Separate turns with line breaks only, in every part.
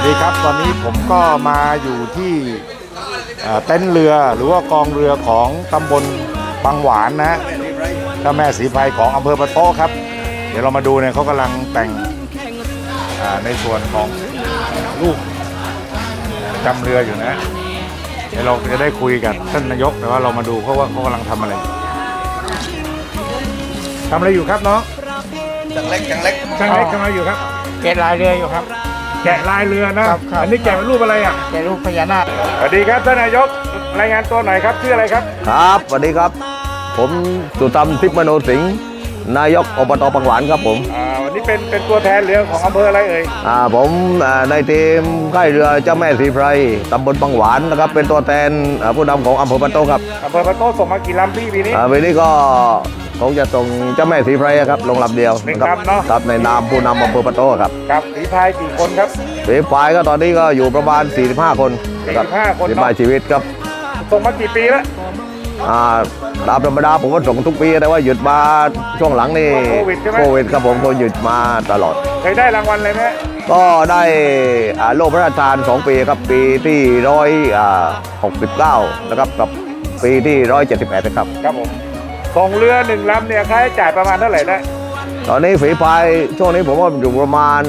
ดีครับตอนนี้ผมก็มาอยู่ที่เต็นท์เรือหรือว่ากองเรือของตำบลบางหวานนะเจ้าแม่ศรีไพรของอำเภอปะโต้ครับเดี๋ยวเรามาดูเนี่ยเขากำลังแต่งในส่วนของลูกจำเรืออยู่นะเดี๋ยวเราจะได้คุยกับท่านนายกแต่ว่าเรามาดูเพราะว่าเขากำลังทำอะไรอยู่ครับน้อง
ช่างเล็ก
ทำอะไรอยู่ครับ
แกะลายเรืออยู่ครับ
แกะลายเรือนะครับอันนี้แกะเป็นรูปอะไรอ่ะ
แกะรูปพญานาค
สวัสดีครับท่านนายกรายงานตัวหน่อยครับชื่ออะไรครับ
ครับสวัสดีครับผมสุธรรมทิพย์มโนสิงห์นายกอบตบางหวานครับผม
วันนี้เป็นตัวแทนเรือของอำเภออะไรเอ่ย
ผมในทีมค่ายเรือเจ้าแม่ศรีไพรตำบลบางหวานนะครับเป็นตัวแทนผู้นำของอำเภอปะโต้ครับ
อำเภอปะโต้ส่งมากี่ลำปีนี้
ปีนี้ก็คงจะส่งเจ้าแม่ศรีไพรครับลงลำเดียวครับในนามผู้นำอำเภอปะโต้ครับ
ครับศรีไพรกี่คนครับ
ศรีไพรก็ตอนนี้ก็อยู่ประมาณ45 คน
45 คน
45ชีวิตครับ
ส่งมากี่ปีแล้ว
ตามธรรมดาผมก็ส่งทุกปีแต่ว่าหยุดมาช่วงหลังนี่โควิดครับผมก็หยุดมาตลอด
เคยได้รางวัลอะไรไหม
ก็ได้โล่พระราชทาน2 ปีครับปีที่169นะครับกับปีที่178นะครับ
ครับผมส่งเรือ1 ลำเนี่ยค่าใช้จ่ายประมาณเท่าไหร่ได้
ตอนนี้ฝีพายช่วงนี้ผมว่าอยู่ประมาณ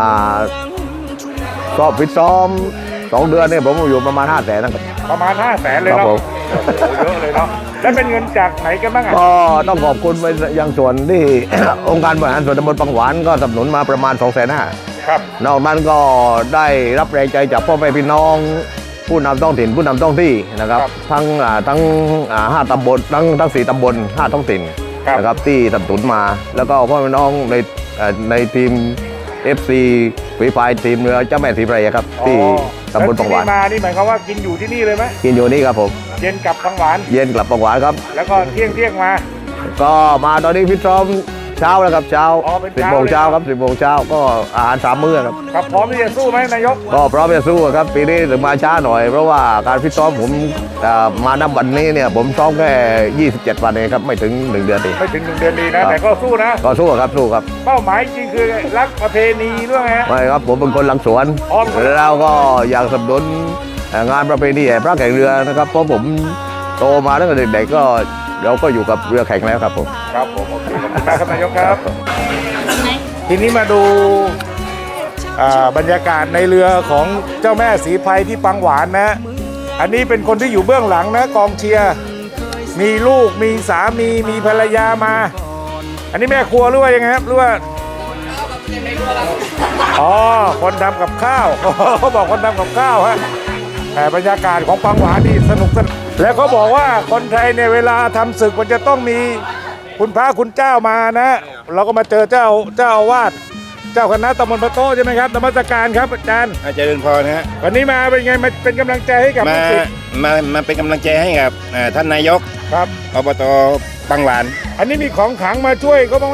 ก็ฟิตซ้อม2 เดือนเนี่ยผมอยู่ประมาณ500,000นะครับ
ประมาณ500,000เลยเนาะเยอะเลยเนาะแล้วเป็นเงินจากไหนกันบ้าง
ก็ต้องขอบคุณไปยังส่วนที่ องค์การบริหารส่วนตำบลบางหวานก็สนับสนุนมาประมาณ250,000
ครับ
นอกนั้นก็ได้รับแรงใจจากพ่อแม่พี่น้องผู้นำท้องถิ่นผู้นำท้องที่นะครับทั้ง5 ตำบลทั้ง4 ตำบล5 ท้องถิ่นนะครับที่สนับสนุนมาแล้วก็พ่อแม่พี่น้องในทีม FC ฝีพายทีมเรือเจ้าแม่ศรีไพรครับที่ตำบลบางหวาน
มานี่หมายความว่ากินอยู่ที่นี่เลยไหม
กินอยู่นี่ครับผม
เย็นกลับบางหวาน
เย็นกลับบางหวานครับ
แล้วก็เที่ยงมา
ก็มาตอนนี้ฟิตซ้อมเช้าแล้วครับเช้า10 โมงเช้าครับ10 โมงเช้าก็อาหาร3 มื้อ
ครับพร้อมที่จะสู้ไหมนายก
ก็พร้อมจะสู้ครับปีนี้ถึงมาช้าหน่อยเพราะว่าการฟิตซ้อมผมมาณวันนี้เนี่ยผมซ้อมแค่27 วันเองครับไม่ถึง1 เดือนดี
ไม่ถึง1 เดือนดีนะแต่ก็สู้นะ
ก็สู้ครับ
เป้าหมายจริงคือรักประเพณีด้วยไง
ไม่ครับผมเป็นคนหลังสวนแล้วก็อยากสนับสนุนงานประเพณีแห่พระแข่งเรือนะครับเพราะผมโตมาตั้งแต่เด็กๆก็เราก็อยู่กับเรือแข่งแล้วครับผม
ครับผมโอเคขอบคุณมากครับนายกครับทีนี้มาดูบรรยากาศในเรือของเจ้าแม่ศรีไพรที่บางหวานนะอันนี้เป็นคนที่อยู่เบื้องหลังนะกองเชียร์มีลูกมีสามีมีภรรยามาอันนี้แม่ครัวหรือว่ายังไงครับหรือว่าคนทำกับข้าวเขาบอกคนทำกับข้าวฮะแต่บรรยากาศของบางหวานนี่สนุกสนานแล้วเขาบอกว่าคนไทยในเวลาทำศึกมันจะต้องมีคุณพระคุณเจ้ามานะเราก็มาเจอเจ้าอาวาสเจ้าคณะตำบลปะโต้ใช่ไหมครับนมัสการครับอาจารย์
เจริญพรนะฮะ
วันนี้มาเป็นไงมาเป็นกำลังใจให้กับ
มาเป็นกำลังใจให้กับท่านนายก
ครับ
อบตบางหวาน
อันนี้มีของขลังมาช่วยเขาบ้างไหม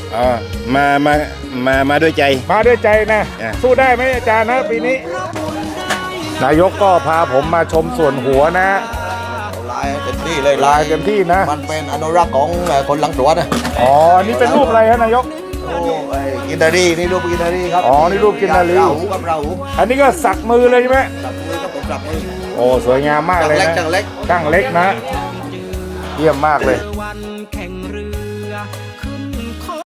มาด้วยใจ
นะสู้ได้ไหมอาจารย์นะปีนี้นายกก็พาผมมาชมส่วนหัวนะ
ลายเต็มที่เลย
ลายเต็มที่นะ
มันเป็นอนุรักษ์ของคนหลังสวนนะ
นี่เป็นรูปอะไรฮะนายก
กินนารีนี่รูปกินนารีครับ
นี่รูปกินนารี
ราหูกับราหู
อันนี้ก็สักมือเลยใช่ไหม
สักมือครับผมสักมื
อสวยงามมากเลยนะ
ช่างเล็ก
นะเยี่ยมมากเลย